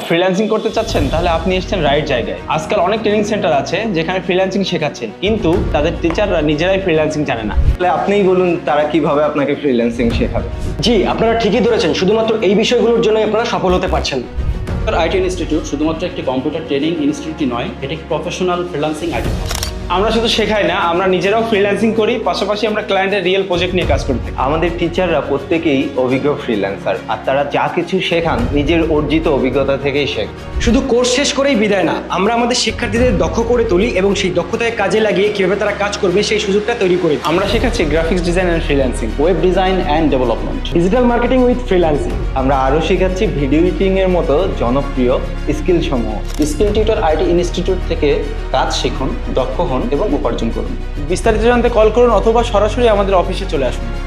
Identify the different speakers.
Speaker 1: Freelancing করতে চাচ্ছেন তাহলে আপনি এসেছেন রাইট জায়গায়। আজকাল অনেক ট্রেনিং সেন্টার আছে যেখানে ফ্রিল্যান্সিং শেখাচ্ছে, কিন্তু তাদের টিচাররা নিজেরাই ফ্রিল্যান্সিং জানে না।
Speaker 2: তাহলে আপনিই বলুন তারা কিভাবে আপনাকে ফ্রিল্যান্সিং শেখাবে।
Speaker 3: জি, আপনারা ঠিকই ধরেছেন, শুধুমাত্র এই বিষয়গুলোর জন্যই আপনারা সফল হতে পারছেন।
Speaker 4: আইটি ইনস্টিটিউট শুধুমাত্র একটি কম্পিউটার ট্রেনিং ইনস্টিটিউটই নয়, এটি একটি প্রফেশনাল ফ্রিল্যান্সিং আইটি।
Speaker 1: আমরা শুধু শেখাই না, আমরা নিজেরাও ফ্রিল্যান্সিং করি, পাশাপাশি আমরা ক্লায়েন্টের রিয়েল প্রজেক্ট নিয়ে কাজ করি।
Speaker 2: আমাদের টিচাররা প্রত্যেকেই অভিজ্ঞ ফ্রিল্যান্সার, আর তারা যা কিছু শেখান নিজের অর্জিত অভিজ্ঞতা থেকেই শেখান।
Speaker 3: শুধু কোর্স শেষ করেই বিদায় না, আমরা আমাদের শিক্ষার্থীদের দক্ষ করে তুলি এবং সেই দক্ষতাকে কাজে লাগিয়ে কিভাবে তারা কাজ করবে সেই সুযোগটা তৈরি করি।
Speaker 1: আমরা শেখাচ্ছি graphics design and freelancing,
Speaker 4: web design and development,
Speaker 3: digital marketing with freelancing.
Speaker 2: আমরা আরও শেখাচ্ছি ভিডিও এডিটিং এর মতো জনপ্রিয় স্কিল সমূহ।
Speaker 4: স্কিল টিউটর আইটি ইনস্টিটিউট থেকে কাজ শিখুন, দক্ষ হন এবং উপার্জন করুন।
Speaker 1: বিস্তারিত জানতে কল করুন অথবা সরাসরি আমাদের অফিসে চলে আসুন।